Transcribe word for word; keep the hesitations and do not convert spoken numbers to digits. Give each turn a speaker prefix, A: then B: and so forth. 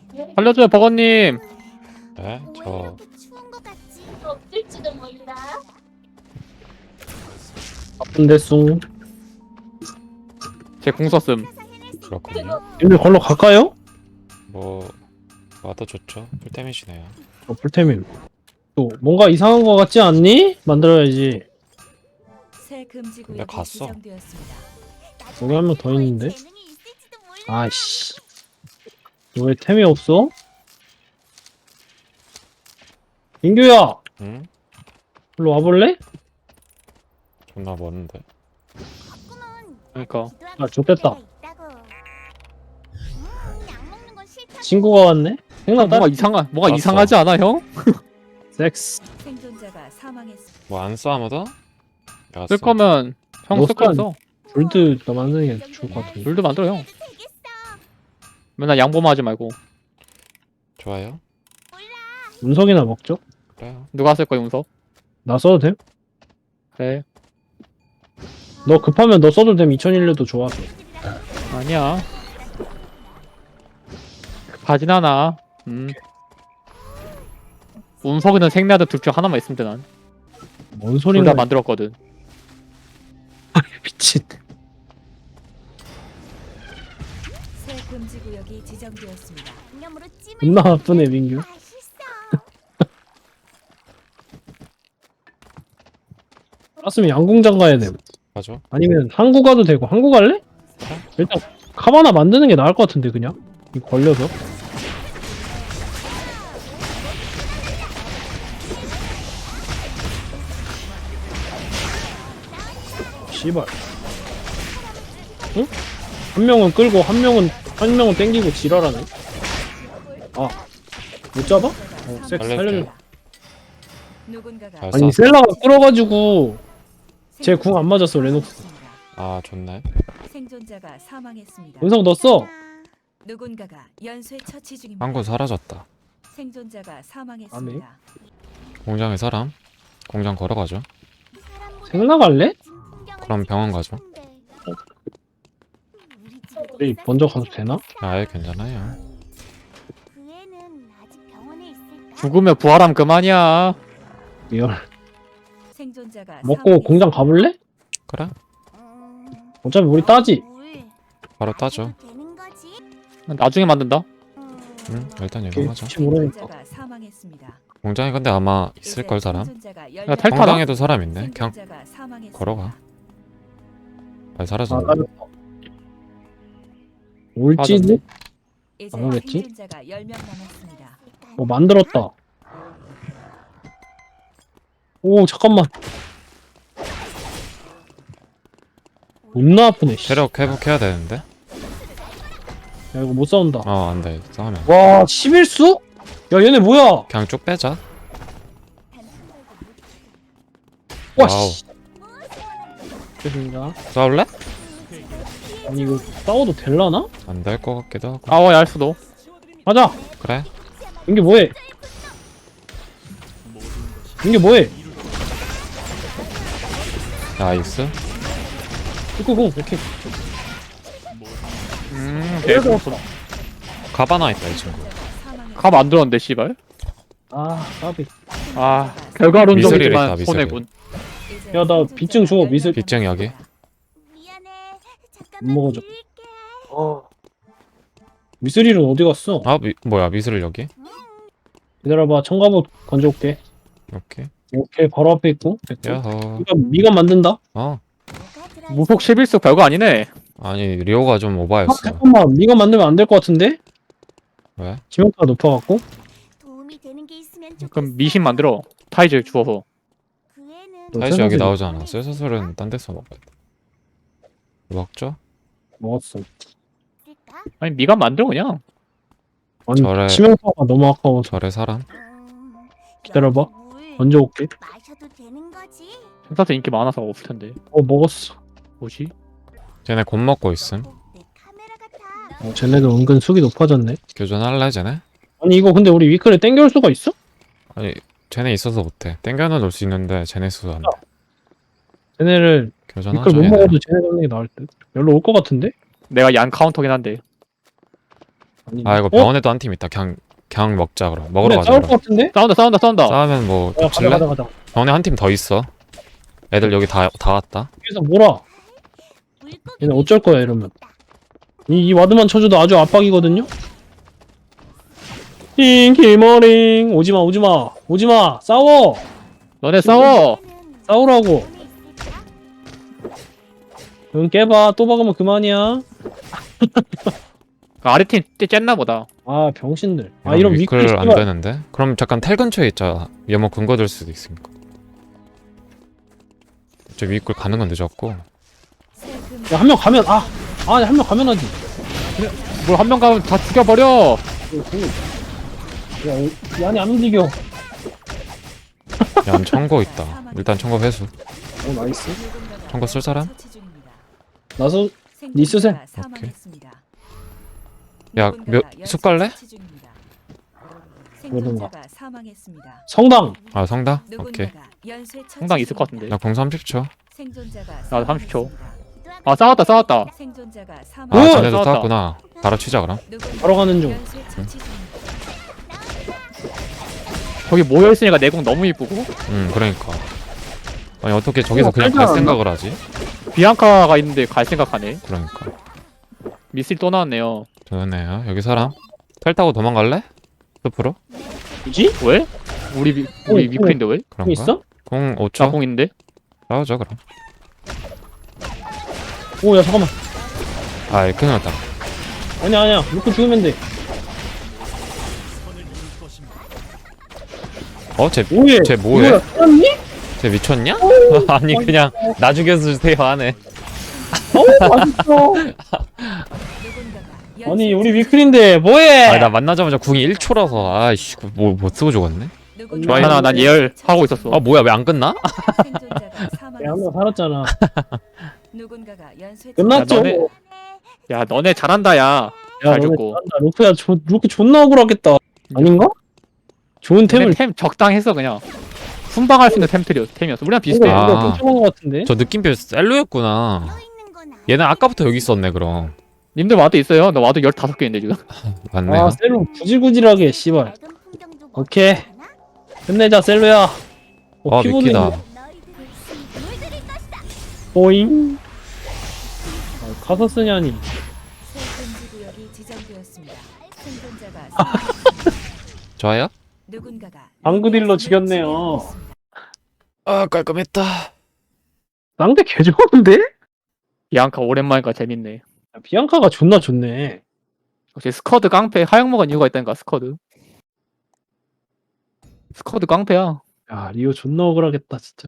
A: 살려줘요, 버거님.
B: 네? 저
C: 없을지도 몰라.
D: 바쁜데 숭.
A: 제 공 썼음.
B: 그렇군요.
D: 님들 걸로 갈까요?
B: 뭐 와도 좋죠. 풀템이시네요.
D: 어, 풀템임. 또 뭔가 이상한 거 같지 않니? 만들어야지.
E: 새 금지
B: 근데
E: 구역이
B: 갔어.
E: 지정되었습니다.
D: 여기 한 명 더 있는데. 아이씨. 왜 템이 없어? 민규야,
B: 응?
D: 일로 와볼래?
B: 존나 먼데.
A: 그러니까.
D: 아, 좋겠다. 친구가 왔네? 생각
A: 뭔가
D: 따
A: 이상한, 뭔가
B: 알았어.
A: 이상하지 않아, 형?
D: 섹스.
E: 생존자가 사망했습니다.
B: 뭐 안 써 아무도? 내가
A: 쓸
B: 써.
A: 거면 형
D: 너
A: 쓸 거면
D: 써.
A: 써.
D: 불드 나 만드는 게 좋을 것 같은데.
A: 물도 만들어, 형. 맨날 양보만 하지 말고.
B: 좋아요.
D: 운석이나 먹죠?
B: 그래요.
A: 누가 쓸 거야, 용석?
D: 나 써도 됨?
A: 그래.
D: 너 급하면 너 써도 됨. 이천일 년도 좋아서.
A: 아니야. 급하진 않아. 음. 운석이는 생나드 둘 중 하나만 있으면 돼, 난.
D: 뭔
A: 둘
D: 소리나.
A: 다 만들었거든.
D: 미친.
E: 새 금지 구역이 지정되었습니다.
D: 존나 나쁘네, 민규. 알았으면 양궁장 가야 돼.
B: 맞아.
D: 아니면 항구 가도 되고. 항구 갈래? 일단 카바나 만드는 게 나을 것 같은데 그냥. 이거 걸려서. 씨발. 응? 한 명은 끌고 한 명은 한 명은 땡기고 지랄하네. 아, 못 잡아? 어, 섹스 살려줘.
E: 누군가가
B: 잘
D: 아니
B: 써.
D: 셀라가 끌어가지고 제 궁 안 맞았어, 레녹스.
B: 아 좋네.
E: 생존자가 사망했습니다.
D: 은성 넣었어.
E: 누군가가 연쇄 처치 중입니다.
B: 한국 사라졌다.
E: 생존자가 사망했습니다.
B: 공장에 사람? 공장 걸어가죠.
D: 생 나갈래?
B: 그럼 병원 가죠.
D: 우리 먼저 가도 되나?
B: 아예 괜찮아요.
A: 죽으면 부활하면 그만이야.
D: 리얼.
E: 생존자가
D: 먹고
E: 사망했습니다.
D: 공장 가볼래?
B: 그래?
D: 어차피 우리 따지.
B: 바로 따죠.
A: 나중에 만든다.
B: 응? 일단
D: 오케이.
B: 이동하자.
D: 혹시 모르니까.
E: 생존자가 사망했습니다.
B: 공장에 근데 아마 있을 걸 사람?
E: 생존자가
A: 야, 탈-
B: 공장에도 사람 있네. 그냥
E: 생존자가 사망했습니다.
B: 걸어가. 빨리
D: 아,
B: 사라져.
D: 따졌다. 올지도?
E: 이제
D: 안 오겠지?
E: 생존자가 열 명 남았습니다.
D: 뭐 만들었다. 오, 잠깐만. 존나 아프네, 씨.
B: 체력 회복해야 되는데?
D: 야, 이거 못 싸운다.
B: 어 안돼. 싸우면.
D: 와, 십일 수? 야, 얘네 뭐야?
B: 그냥 쭉 빼자.
D: 와,
B: 와우.
D: 씨. 죄송합니다.
B: 싸울래?
D: 아니, 이거 싸워도 될라나?
B: 안 될 것 같기도 하고.
A: 아워, 얄 수도.
D: 가자!
B: 그래?
D: 이게 뭐해? 이게 뭐해?
B: 나이스.
D: 이거고, 오케이.
A: 음,
D: 그래서
A: 개꿀.
B: 가바나 있다 이 친구.
E: 사망했습니다.
A: 가 만들었는데, 씨발.
D: 아, 까비.
A: 아,
B: 미스리를
A: 결과론적이지만
B: 했다, 미스리.
A: 손해군.
E: 이제
D: 야, 나 빚증 줘, 미술.
B: 빚증 여기.
D: 못 먹어줘. 어. 미스릴은 어디 갔어?
B: 아 미, 뭐야 미술을 여기?
D: 기다려봐, 청가옷 건져올게.
B: 오케이.
D: 오케이, 바로 앞에 있고. 됐고.
B: 야호.
D: 이거 미가 만든다?
B: 어.
A: 무속 십일 수 별거 아니네.
B: 아니 리오가 좀
D: 아,
B: 오바였어.
D: 잠깐만, 미가 만들면 안 될 것 같은데?
B: 왜?
D: 지명타가 높아갖고?
A: 그럼 미신 만들어. 타이즈 주워서.
D: 너
B: 사실 여기
D: 생각해.
B: 나오잖아. 쇠사슬은 딴 데서 먹어야 돼. 먹죠?
D: 먹었어.
A: 아니, 미가 만들어, 그냥.
D: 아니,
B: 저래-
D: 치명타가 너무 아까워서.
B: 절의 사람?
D: 기다려봐. 건져올게.
C: 마셔도 되는 거지?
A: 생사도 인기 많아서 없을 텐데.
D: 어, 먹었어.
A: 뭐지?
B: 쟤네 곧 먹고 있음.
C: 내 카메라 같아.
D: 어, 쟤네도 은근 숙이 높아졌네.
B: 교전할래 쟤네?
D: 아니, 이거 근데 우리 위클에 땡겨올 수가 있어?
B: 아니 쟤네 있어서 못해. 땡겨는 놓을 수 있는데 쟤네 있어서 안 돼.
D: 쟤네를 위클
B: 교전하자
D: 못
B: 얘네.
D: 먹어도 쟤네 잡는 게 나을 듯. 여기로 올 것 같은데?
A: 내가 얀 카운터긴 한데.
D: 아니,
B: 아 이거
D: 어?
B: 병원에도 한 팀 있다. 그냥 그냥 먹자 그럼. 먹으러
D: 그래,
B: 가자.
D: 싸울
B: 그럼.
D: 것 같은데?
A: 싸운다 싸운다 싸운다.
B: 싸우면 뭐
D: 야, 가자,
B: 덮칠래?
D: 가자, 가자.
B: 병원에 한 팀 더 있어. 애들 여기 다 다 왔다.
D: 여기서 몰아. 얘는 어쩔 거야, 이러면. 이, 이 와드만 쳐줘도 아주 압박이거든요? 잉, 길머링. 오지마, 오지마. 오지마. 싸워.
A: 너네 싸워.
D: 싸우라고. 응, 깨봐. 또 박으면 그만이야.
A: 그 아래 팀 쨌나 보다.
D: 아, 병신들. 아, 이런 위클
B: 위클 안
D: 씨발.
B: 되는데? 그럼 잠깐 텔 근처에 있자. 얘뭐 근거 될 수도 있으니까. 저 위클 가는 건 늦었고.
D: 야, 한 명 가면, 아. 아, 한 명 가면 하지.
A: 뭘 한 명 가면 다 죽여버려.
D: 야, 이 안에 안 움직여.
B: 야, 청거 있다. 일단 청거 회수.
D: 어, 나이스.
B: 청거 쓸 사람?
D: 나서, 니스셈.
B: 오케이. 야, 몇, 숲 갈래?
E: 생존자가 사망했습니다.
D: 성당.
B: 아, 성당? 오케이.
E: 누군가가 연쇄 처치
A: 상당 있을 것
E: 중입니다.
A: 같은데.
B: 나 공 삼십 초.
E: 생존자가
A: 나도 삼십 초.
E: 사망했습니다.
A: 아 싸웠다 싸웠다.
E: 생존자가
B: 아,
E: 사망.
D: 오!
B: 쟤네도
A: 싸웠다.
B: 싸웠구나. 바로 치자, 그럼.
D: 바로 가는 중.
E: 연쇄 처치 중입니다.
A: 저기 모여 있으니까 내공 너무 이쁘고.
B: 응, 그러니까. 아니, 어떻게 저기서
D: 어,
B: 그냥
D: 깔지
B: 갈
D: 않았나?
B: 생각을 하지?
A: 비앙카가 있는데 갈 생각하네.
B: 그러니까.
A: 미sil 또 나왔네요.
B: 좋네요. 여기 사람. 텔 타고 도망갈래? 숲으로?
D: 뭐지?
A: 왜? 우리 미, 우리
D: 어,
A: 미클인데 왜?
B: 그런가?
D: 있어?
B: 공 오 초?
A: 자공인데?
B: 싸우자, 그럼.
D: 오, 야, 잠깐만.
B: 아, 큰일 났다.
D: 아니야, 아니야. 놓고 죽으면 돼.
B: 어, 쟤,
D: 오예.
B: 쟤 뭐해?
D: 이거야, 끝났니?
B: 쟤 미쳤냐? 아니, 그냥 나 죽여주세요 하네.
D: 어, 맛있어.
E: 누군가가
D: 아니,
E: 연쇄
D: 우리
E: 처치
D: 위클인데, 뭐해?
B: 아니, 나 만나자마자 궁이 일 초라서. 아이씨, 뭐, 못 쓰고 죽었네?
E: 누군가가
A: 괜찮아 난 예열 하고 있었어.
B: 아, 뭐야, 왜 안 끝나?
E: 생존자가
D: 야, 한명
E: 사망했습니다.
D: 살았잖아.
E: 누군가가 연쇄
D: 끝났죠?
A: 야, 너네- 야 너네 잘한다 야.
D: 야,
A: 잘
D: 너네
A: 죽고.
D: 잘한다. 루크야, 조, 루크 존나 억울하겠다. 아닌가? 좋은 템을
A: 템을 템 적당했어 그냥. 순방할 수 있는 템들이었어 템이었어. 우리랑 비슷해.
B: 아.
D: 이거 괜찮은 것 같은데?
B: 저 느낌표 셀로였구나. 얘는 아까부터 여기 있었네, 그럼.
A: 님들 와도 있어요. 나 와도 열다섯 개인데 지금.
B: 맞네요.
D: 아, 셀로 구질구질하게, 씨발. 오케이. 끝내자, 셀로야. 어,
B: 아,
D: 피부도
B: 미키다.
D: 있네. 보잉. 아, 카서스냐니.
E: 새 금지 구역이 지정되었습니다. 생존자가
D: 아.
E: 사망했습니다.
B: 좋아요?
E: 누군가가
D: 방구딜로 죽였네요.
E: 지배하고
B: 아, 깔끔했다.
D: 상대 개 좋은데?
A: 비앙카 오랜만이니까 재밌네.
D: 야, 비앙카가 존나 좋네.
A: 역시 스쿼드 깡패 하영 먹은 이유가 있다니까 스쿼드. 스쿼드 깡패야.
D: 야, 리오 존나 억울하겠다, 진짜.